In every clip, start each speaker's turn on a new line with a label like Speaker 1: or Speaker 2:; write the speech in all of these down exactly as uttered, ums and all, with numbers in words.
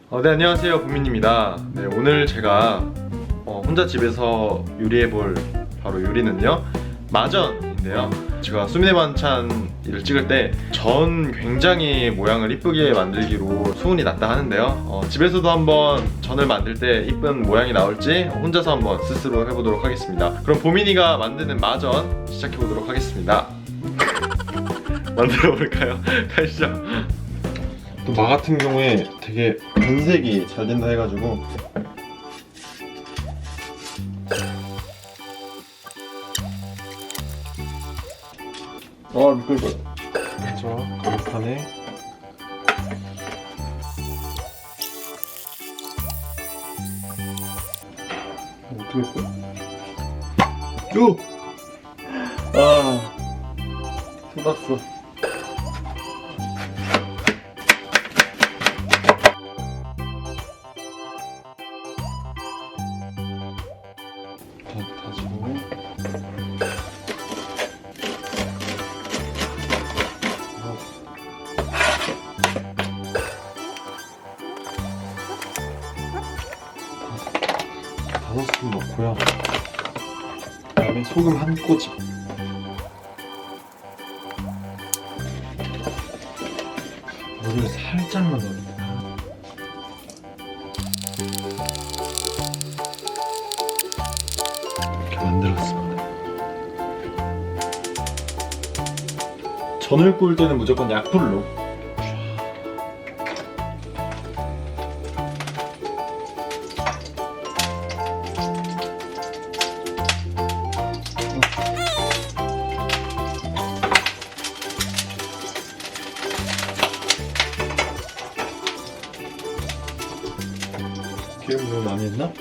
Speaker 1: 어, 네, 안녕하세요, 보민입니다. 네, 오늘 제가 어, 혼자 집에서 요리해볼 바로 요리는요, 마전인데요. 제가 수민의 반찬을 찍을 때 전 굉장히 모양을 이쁘게 만들기로 소문이 났다 하는데요. 어, 집에서도 한번 전을 만들 때 이쁜 모양이 나올지 혼자서 한번 스스로 해보도록 하겠습니다. 그럼 보민이가 만드는 마전 시작해보도록 하겠습니다. 만들어 볼까요? 가시죠. 또 마 같은 경우에 되게 변색이 잘 된다 해가지고 아 미끌거려. 자, 가루판에 어떻게 했어? 쭉! 아 쏟았어. 다, 다지고 다섯 스푼 넣고요. 그 다음에 소금 한 꼬집. 물을 살짝만 넣어줍니다. 이렇게 만들었습니다. 전을 구울 때는 무조건 약불로. 기름 너무 많이 했나?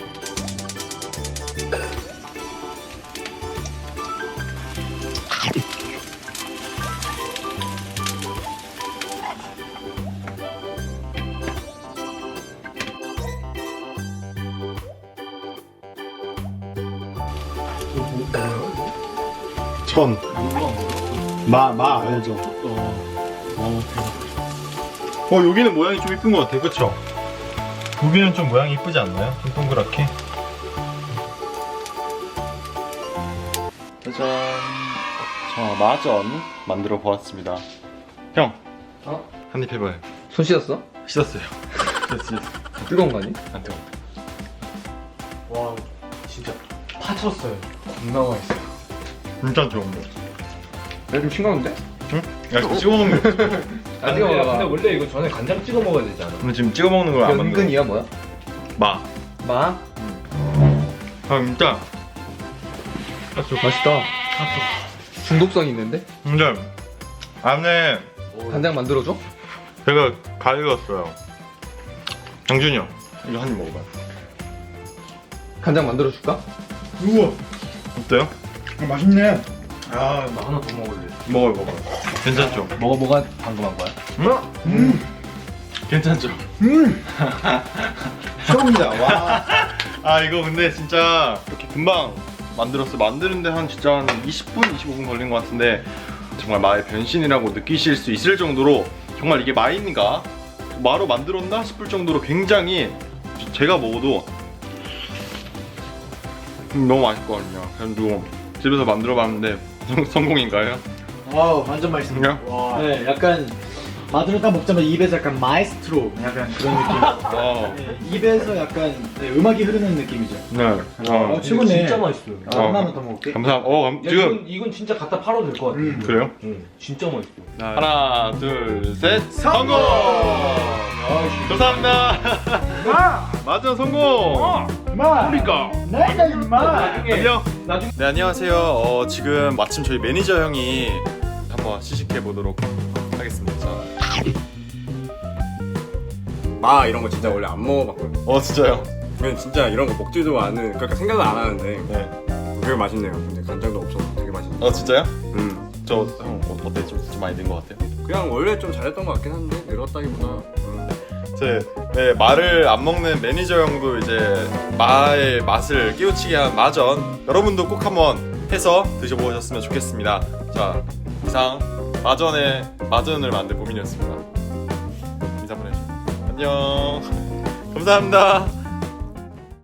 Speaker 1: 전. 마, 마 알죠? 어, 어, 여기는 모양이 좀 이쁜 것 같아, 그쵸? 여기는 좀 모양이 이쁘지 않나요? 좀 동그랗게. 짜잔. 자, 마전 만들어 보았습니다. 형,
Speaker 2: 어?
Speaker 1: 한입 해봐요.
Speaker 2: 손 씻었어?
Speaker 1: 씻었어요. 씻었어, 씻었어.
Speaker 2: 뜨거운 거 아니?
Speaker 1: 안 뜨거워.
Speaker 2: 와 진짜 파쳤어요. 겁나 맛있어요.
Speaker 1: 진짜 좋은 거.
Speaker 2: 내가 좀 싱거운데?
Speaker 1: 응? 야, 이거 찍어 먹는 거.
Speaker 2: 아
Speaker 3: 근데,
Speaker 2: 뜨거워.
Speaker 3: 근데 원래 이거 전에 간장 찍어 먹어야 되지 않아?
Speaker 1: 근데 지금 찍어 먹는 걸 안 만들어.
Speaker 2: 은근이야 뭐야?
Speaker 1: 마.
Speaker 2: 마?
Speaker 1: 아, 진짜.
Speaker 2: 맛있다. 중독성 있는데?
Speaker 1: 근데 안에
Speaker 2: 간장 만들어줘?
Speaker 1: 제가 가져갔어요. 장준이 형, 이거 한 입 먹어봐요.
Speaker 2: 간장 만들어줄까?
Speaker 1: 우와. 어때요?
Speaker 4: 아, 맛있네.
Speaker 3: 아, 나 하나 더 먹을래.
Speaker 1: 먹어요, 먹어요. 괜찮죠?
Speaker 2: 뭐가 뭐가 방금 한 거야?
Speaker 1: 음?
Speaker 4: 음,
Speaker 1: 괜찮죠?
Speaker 4: 음. 처음이다. 와.
Speaker 1: 아, 이거 근데 진짜 이렇게 금방 만들었어. 만드는데 한 진짜 한 이십 분, 이십오 분 걸린 것 같은데 정말 마의 변신이라고 느끼실 수 있을 정도로 정말 이게 마인가? 마로 만들었나 싶을 정도로 굉장히 제가 먹어도 너무 맛있거든요. 그래가지고 집에서 만들어봤는데 성공인가요?
Speaker 4: 와우, 완전 맛있습니다.
Speaker 1: 그냥?
Speaker 4: 네, 약간 마두를 딱 먹자마자 입에서 약간 마에스트로 약간 그런 느낌.
Speaker 1: 와.
Speaker 4: 네, 입에서 약간 네, 음악이 흐르는 느낌이죠.
Speaker 1: 네.
Speaker 4: 어,
Speaker 1: 어,
Speaker 4: 최고네.
Speaker 3: 진짜 맛있어요.
Speaker 4: 아, 하나만 더 먹을게.
Speaker 1: 감사합니다. 어, 감,
Speaker 3: 야,
Speaker 1: 지금
Speaker 3: 이건, 이건 진짜 갖다 팔아도 될 것 같아.
Speaker 4: 음.
Speaker 1: 그래요?
Speaker 3: 응, 진짜 맛있어.
Speaker 1: 하나, 둘, 셋, 성공! 감사합니다.
Speaker 4: 마,
Speaker 1: 맞아, 성공!
Speaker 4: 마.
Speaker 3: 그러니까.
Speaker 4: 내가 임마.
Speaker 1: 안녕.
Speaker 3: 나중에
Speaker 1: 네, 안녕하세요. 어, 지금 마침 저희 매니저 형이 한번 시식해 보도록 하겠습니다. 자.
Speaker 5: 마 이런 거 진짜 원래 안 먹어봤거든요.
Speaker 1: 어, 진짜요?
Speaker 5: 그냥 진짜 이런 거 먹지도 않은, 그러니까 생각을 안 하는데
Speaker 1: 네.
Speaker 5: 되게 맛있네요. 근데 간장도 없어서 되게 맛있네요.
Speaker 1: 어, 진짜요?
Speaker 5: 음,
Speaker 1: 저 형 어, 어때? 좀, 좀 많이 는 것 같아요?
Speaker 5: 그냥 원래 좀 잘했던 것 같긴 한데 늘었다기보다. 음.
Speaker 1: 제 네, 말을 안 먹는 매니저 형도 이제 마의 맛을 깨우치게 한 마전 여러분도 꼭 한번 해서 드셔보셨으면 좋겠습니다. 자, 이상 마전의 마전을 만든 보민이었습니다. 인사 보내주세요. 안녕. 감사합니다.